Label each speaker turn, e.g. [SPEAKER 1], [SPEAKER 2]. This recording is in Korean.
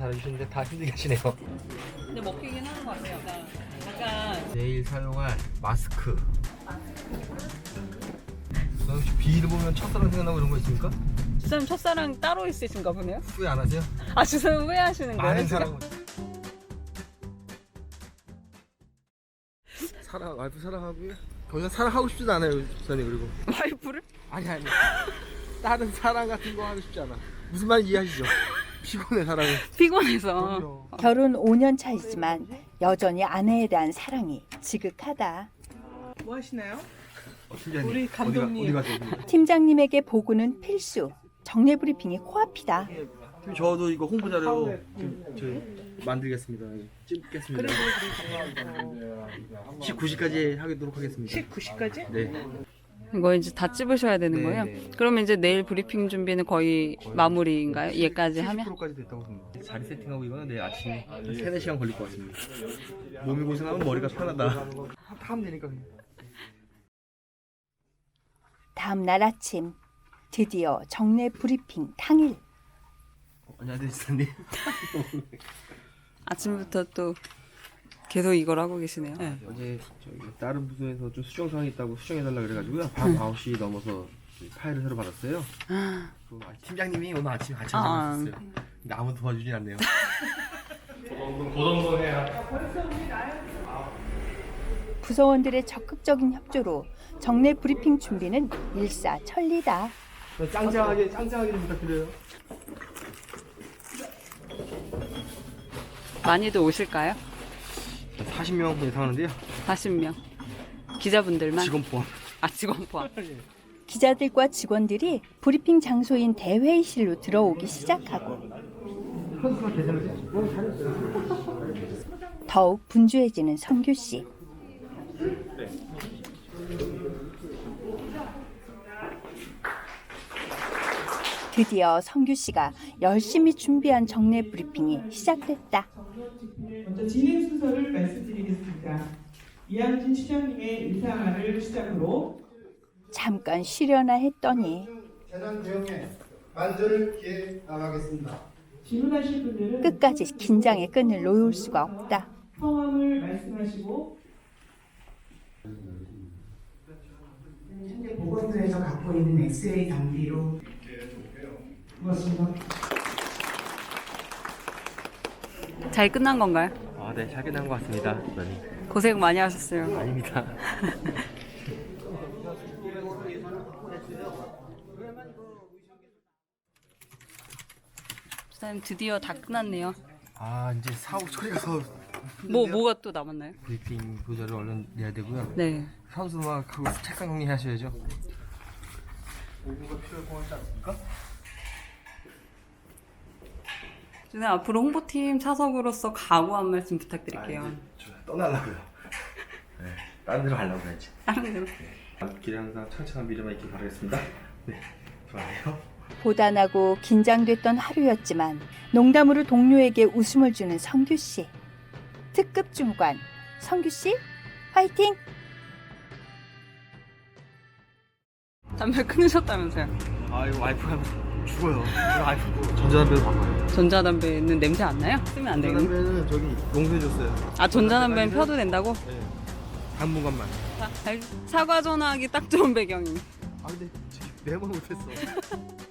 [SPEAKER 1] 달아주시는데 다 힘들게 하시네요.
[SPEAKER 2] 근데 먹히긴 하는 것 같아요. 약간
[SPEAKER 1] 내일 사용할 마스크. 혹시 비를 보면 첫사랑 생각나고 이런 거 있습니까?
[SPEAKER 2] 주사님 첫사랑 따로 있으신가 보네요?
[SPEAKER 1] 후회 안 하세요?
[SPEAKER 2] 아 주사님 후회하시는 거예요?
[SPEAKER 1] 많은
[SPEAKER 2] 지금?
[SPEAKER 1] 사랑 와이프 사랑하고요. 더 이상 사랑하고 싶지도 않아요, 주사님. 그리고
[SPEAKER 2] 와이프를?
[SPEAKER 1] 아니 다른 사랑 같은 거 하고 싶지 않아. 무슨 말인지 이해하시죠? 피곤해 사랑은.
[SPEAKER 2] 피곤해서.
[SPEAKER 1] 그럼요.
[SPEAKER 3] 결혼 5년 차이지만 여전히 아내에 대한 사랑이 지극하다.
[SPEAKER 4] 뭐 하시나요?
[SPEAKER 1] 팀장님,
[SPEAKER 4] 우리 감독님.
[SPEAKER 1] 어디 가세요?
[SPEAKER 3] 팀장님에게 보고는 필수. 정례 브리핑이 코앞이다.
[SPEAKER 1] 저도 이거 홍보 자료 저희 만들겠습니다. 찍겠습니다. 19시까지 하도록 하겠습니다.
[SPEAKER 4] 19시까지?
[SPEAKER 1] 네.
[SPEAKER 2] 이거 이제 다 찝으셔야 되는
[SPEAKER 1] 네,
[SPEAKER 2] 거예요?
[SPEAKER 1] 네.
[SPEAKER 2] 그러면 이제 내일 브리핑 준비는 거의 마무리인가요? 얘까지 하면?
[SPEAKER 1] 70%까지 됐다고 봅니다. 자리 세팅하고 이거는 내일 아침에 3, 4시간 걸릴 것 같습니다. 몸이 고생하면 머리가 편하다. 하면 되니까 그냥.
[SPEAKER 3] 다음 날 아침 드디어 정례 브리핑 당일.
[SPEAKER 1] 안녕하세요, 지사님.
[SPEAKER 2] 아침부터 또 계속 이걸 하고 계시네요. 네.
[SPEAKER 1] 어제 저기 다른 부서에서 좀 수정 사항이 있다고 수정해달라 그래가지고요. 밤 9시 넘어서 파일을 새로 받았어요. 그 팀장님이 오늘 아침에 같이 하셨어요. 근데 아무도 도와주진 않네요.
[SPEAKER 3] 부서원들의 적극적인 협조로 정례 브리핑 준비는 일사천리다.
[SPEAKER 1] 짱짱하게 좀 부탁드려요.
[SPEAKER 2] 많이들 오실까요?
[SPEAKER 1] 40명 예상하는데요.
[SPEAKER 2] 40명. 기자분들만?
[SPEAKER 1] 직원 포함.
[SPEAKER 2] 아, 직원 포함.
[SPEAKER 3] 기자들과 직원들이 브리핑 장소인 대회의실로 들어오기 시작하고 더욱 분주해지는 성규 씨. 드디어 성규 씨가 열심히 준비한 정례 브리핑이 시작됐다.
[SPEAKER 4] 먼저 진행 순서를 말씀드리겠습니다. 이양진 시장님의 인사를 시작으로
[SPEAKER 3] 잠깐 쉬려나 했더니
[SPEAKER 5] 재난 대응에 만전을 기해 나가겠습니다.
[SPEAKER 4] 질문하실 분들은
[SPEAKER 3] 끝까지 긴장의 끈을 놓을 수가 없다.
[SPEAKER 4] 성함을 말씀하시고
[SPEAKER 6] 현재 보건소에서 갖고 있는 엑스레이 장비로 고맙습니다.
[SPEAKER 2] 잘 끝난 건가요?
[SPEAKER 1] 아, 네, 잘 끝난 것 같습니다.
[SPEAKER 2] 고생 많이 하셨어요.
[SPEAKER 1] 아닙니다.
[SPEAKER 2] 주사님 드디어 다 끝났네요.
[SPEAKER 1] 아, 이제 사옥 처리가서
[SPEAKER 2] 뭐가 또 남았나요?
[SPEAKER 1] 브리핑 보자를 얼른 내야 되고요.
[SPEAKER 2] 네.
[SPEAKER 1] 선수막하고 책상 정리하셔야죠. 공부가 필요할 것 같지 않습니까?
[SPEAKER 2] 주사님 앞으로 홍보팀 차석으로서 각오 한 말씀 부탁드릴게요.
[SPEAKER 1] 떠나려고요. 네, 다른 데로 가려고 해야지.
[SPEAKER 2] 다른 대로.
[SPEAKER 1] 길에 항상 창창한 미래만 있길 바라겠습니다. 네, 좋아요.
[SPEAKER 3] 고단하고 긴장됐던 하루였지만 농담으로 동료에게 웃음을 주는 성규 씨. 특급 주무관 성규 씨, 화이팅!
[SPEAKER 2] 담배 끊으셨다면서요?
[SPEAKER 1] 아, 이거 와이프가 죽어요. 이거 와이프 전자담배로 바꿔요.
[SPEAKER 2] 전자담배는 냄새 안 나요? 쓰면 안 되겠네.
[SPEAKER 1] 전자담배는 저기 용서해줬어요.
[SPEAKER 2] 아, 전자담배는 펴도 된다고?
[SPEAKER 1] 네. 당분간만.
[SPEAKER 2] 사과 전화하기 딱 좋은 배경임.
[SPEAKER 1] 아, 근데 지금 매번 못했어.